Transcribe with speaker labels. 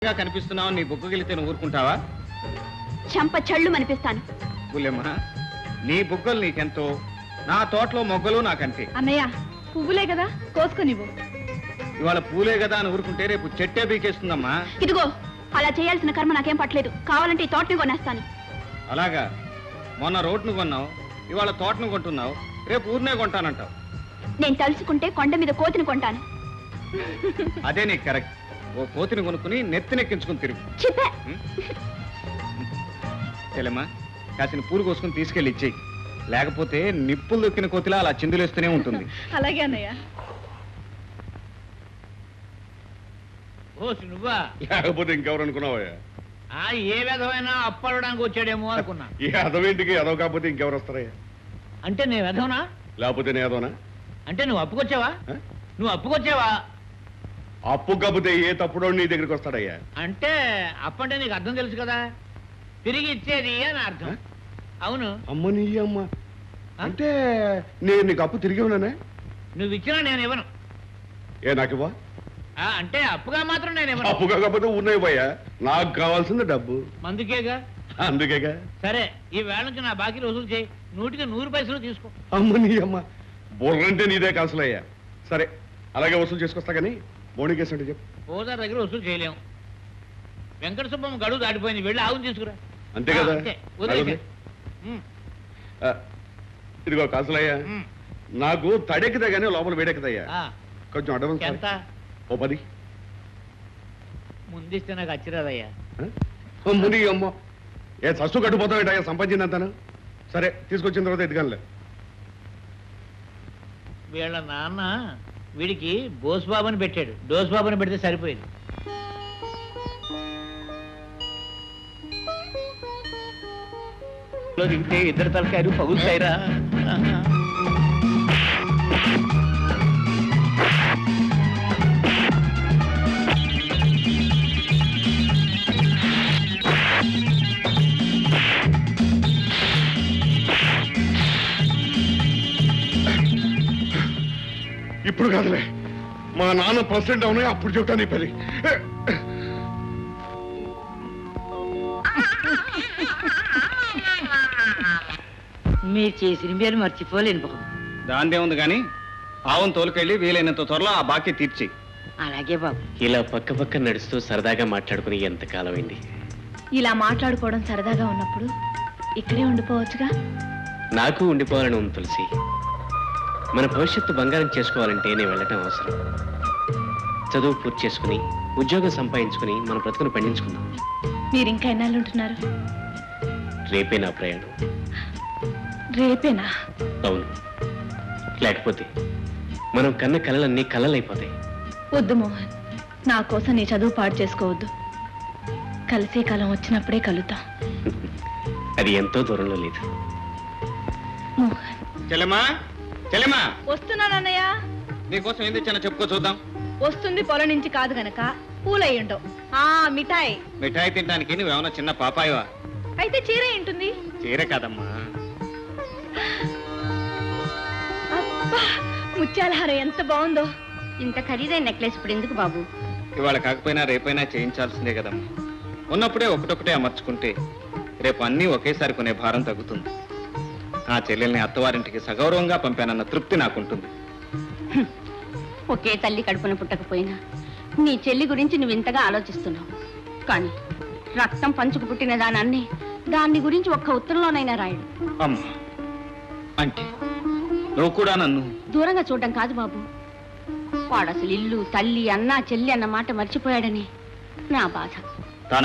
Speaker 1: కనిపిస్తున్నావు నీ బుగ్గగిలితే నువ్వు ఊరుకుంటావా?
Speaker 2: చంప చళ్ళు అనిపిస్తాను.
Speaker 1: బుల్లెమ్మ, నీ బుగ్గలు నీకెంతో, నా తోటలో మొగ్గలు నాకంటే.
Speaker 2: అన్నయ్య, పువ్వులే కదా, కోసుకునివ్వు.
Speaker 1: ఇవాళ పూలే కదా అని ఊరుకుంటే రేపు చెట్టే బీకేస్తుందమ్మా.
Speaker 2: ఇదిగో, అలా చేయాల్సిన కర్మ నాకేం పట్టలేదు. కావాలంటే ఈ తోటని కొనేస్తాను.
Speaker 1: అలాగా? మొన్న రోడ్ను కొన్నావు, ఇవాళ తోటను కొంటున్నావు, రేపు ఊరినే కొంటానంటావు.
Speaker 2: నేను తలుచుకుంటే కొండ మీద కోతిని కొంటాను.
Speaker 1: అదే నీకు కరెక్ట్. ఓ కోతిని కొనుక్కుని నెత్తినెక్కించుకుని తిరుగు.
Speaker 2: చెప్పా.
Speaker 1: చెల్లెమ్మా, కాసిన పూలు కోసుకుని తీసుకెళ్ళి ఇచ్చేయి. లేకపోతే నిప్పులు దొక్కిన కోతిలా అలా చిందులేస్తూనే ఉంటుంది.
Speaker 2: అలాగే అన్నయ్య.
Speaker 3: నువ్వా?
Speaker 4: లేకపోతే ఇంకెవరు అనుకున్నావా?
Speaker 3: ఏ విధమైనా అప్పడడానికి వచ్చాడేమో అనుకున్నా.
Speaker 4: ఈ అదవేంటికి అదవ కాకపోతే ఇంకెవరు వస్తారయ్యా?
Speaker 3: అంటే నేను వెధవనా?
Speaker 4: లేకపోతే నేను అదవనా?
Speaker 3: అంటే నువ్వు అప్పుకొచ్చావా? నువ్వు అప్పుకొచ్చావా?
Speaker 4: అప్పు కాకపోతే ఏ తప్పుడో నీ దగ్గరికి వస్తాడయ్యా?
Speaker 3: అంటే అప్పంటే నీకు అర్థం తెలుసు కదా, తిరిగి ఇచ్చేది అని అర్థం. అవును.
Speaker 4: అమ్మ నీ అమ్మ, అంటే నేను నీకు అప్పు తిరిగి ఉన్నానే?
Speaker 3: నువ్వు ఇచ్చినా నేను ఇవ్వను.
Speaker 4: ఏ నాకు ఇవ్వ?
Speaker 3: అంటే అప్పుగా మాత్రం నేను ఇవ్వను.
Speaker 4: అప్పు కాకపోతే ఉన్నాయి పోయా, నాకు కావాల్సింది డబ్బు.
Speaker 3: మందుకేగా.
Speaker 4: అందుకేగా.
Speaker 3: సరే, ఈ వేళ నుంచి నా బాకీలు వసూలు చేయి. 100కి 100 పైసలు తీసుకో.
Speaker 4: అమ్మ నీ అమ్మ, బుర్రంటే నీదే కాసులయ్యా. సరే, అలాగే వసూలు చేసుకొస్తా కానీ బోణికేసి అంటే చెప్పు.
Speaker 3: ఓదార్ దగ్గర వసూలు చేయలేము. వెంకట సుబ్బమ్మ గడువు దాటిపోయింది, వెళ్ళి ఆవును తీసుకురా.
Speaker 4: అంతే కదా? ఇదిగో కాసులయ్యా, నాకు తడెక్కుదా కానీ లోపల వేడెక్కుదయ్యా. కొంచెం అడ్వాన్స్
Speaker 3: ఎంత?
Speaker 4: ఓ 10.
Speaker 3: ముందిస్తే నాకు అచ్చిరాదయ్యా.
Speaker 4: ముని అమ్మ, ఏ సస్సు కట్టుపోతావు సంపాదించిందంతాను. సరే, తీసుకొచ్చిన తర్వాత ఎదుగానులే.
Speaker 3: వీళ్ళ నాన్న వీడికి బోస్బాబుని పెట్టాడు, డోస్బాబుని పెడితే సరిపోయింది. తింటే ఇద్దరు తలకాయలు పగులుతాయిరా.
Speaker 4: ఇప్పుడు కాదులే, మా నాన్న ప్రెసిడెంట్ అవునాయి అప్పుడు చెప్తా నీ పని.
Speaker 5: మీరు చేసిన మీరు మర్చిపోలేను బాబు.
Speaker 1: దాందే ఉంది కానీ ఆవును తోలుకెళ్ళి వీలైనంత త్వరలో ఆ బాకీ తీర్చి.
Speaker 5: అలాగే బాబు.
Speaker 6: ఇలా పక్క పక్క నడుస్తూ సరదాగా మాట్లాడుకుని ఎంతకాలం అయింది.
Speaker 2: ఇలా మాట్లాడుకోవడం సరదాగా ఉన్నప్పుడు ఇక్కడే ఉండిపోవచ్చుగా.
Speaker 6: నాకు ఉండిపోవాలని ఉంది తులసి. మన భవిష్యత్తు బంగారం చేసుకోవాలంటే నేను వెళ్ళటం అవసరం. చదువు పూర్తి చేసుకుని ఉద్యోగం సంపాదించుకుని మన బ్రతుకును పండించుకుందాం.
Speaker 2: మీరు ఇంకా ఎన్నాళ్ళు ఉంటున్నారు?
Speaker 6: రేపే నా ప్రయాణం.
Speaker 2: రేపేనా?
Speaker 6: అవును, లేకపోతే మనం కన్న కలలన్నీ కలలైపోతాయి.
Speaker 2: వద్దు మోహన్, నా కోసం నీ చదువు పాడు చేసుకోవద్దు. కలిసే కాలం వచ్చినప్పుడే కలుద్దాం.
Speaker 6: అది ఎంతో దూరంలో లేదు.
Speaker 2: మోహన్.
Speaker 1: చెల్లెమ్మా, చెల్లెమ్మా,
Speaker 2: వస్తున్నానన్నయ్య.
Speaker 1: నీకోసం ఏం తెచ్చానో చెప్పుకో చూద్దాం.
Speaker 2: వస్తుంది పొలం నుంచి కాదు గనక పూలయ్యుండవు. మిఠాయి.
Speaker 1: మిఠాయి తినడానికి నువ్వేమన్నా చిన్న పాపాయవా?
Speaker 2: అయితే చీర ఉంటుంది.
Speaker 1: చీర కాదమ్మా.
Speaker 2: అబ్బా, ముత్యాల హారం ఎంత బాగుందో.
Speaker 5: ఇంత ఖరీదైన నెక్లెస్ ఇప్పుడు ఎందుకు బాబు?
Speaker 1: ఇవాళ కాకపోయినా రేపైనా చేయించాల్సిందే కదమ్మా. ఉన్నప్పుడే ఒకటొకటే అమర్చుకుంటే రేపు అన్నీ ఒకేసారి కొనే భారం తగ్గుతుంది. ఆ చెల్లెల్ని అత్తవారింటికి సగౌరవంగా పంపానన్న తృప్తి నాకుంటుంది.
Speaker 5: ఒకే తల్లి కడుపున పుట్టకపోయినా నీ చెల్లి గురించి నువ్వు ఇంతగా ఆలోచిస్తున్నావు. కానీ రక్తం పంచుకు పుట్టిన దాన్ని గురించి ఒక్క ఉత్తరంలోనైనా రాయడు.
Speaker 1: అమ్మా, అంటే నువ్వు కూడా నన్ను
Speaker 5: దూరంగా చూడడం కాదు బాబు, వాడు అసలు ఇల్లు తల్లి అన్నా చెల్లి అన్న మాట మర్చిపోయాడని నా బాధ.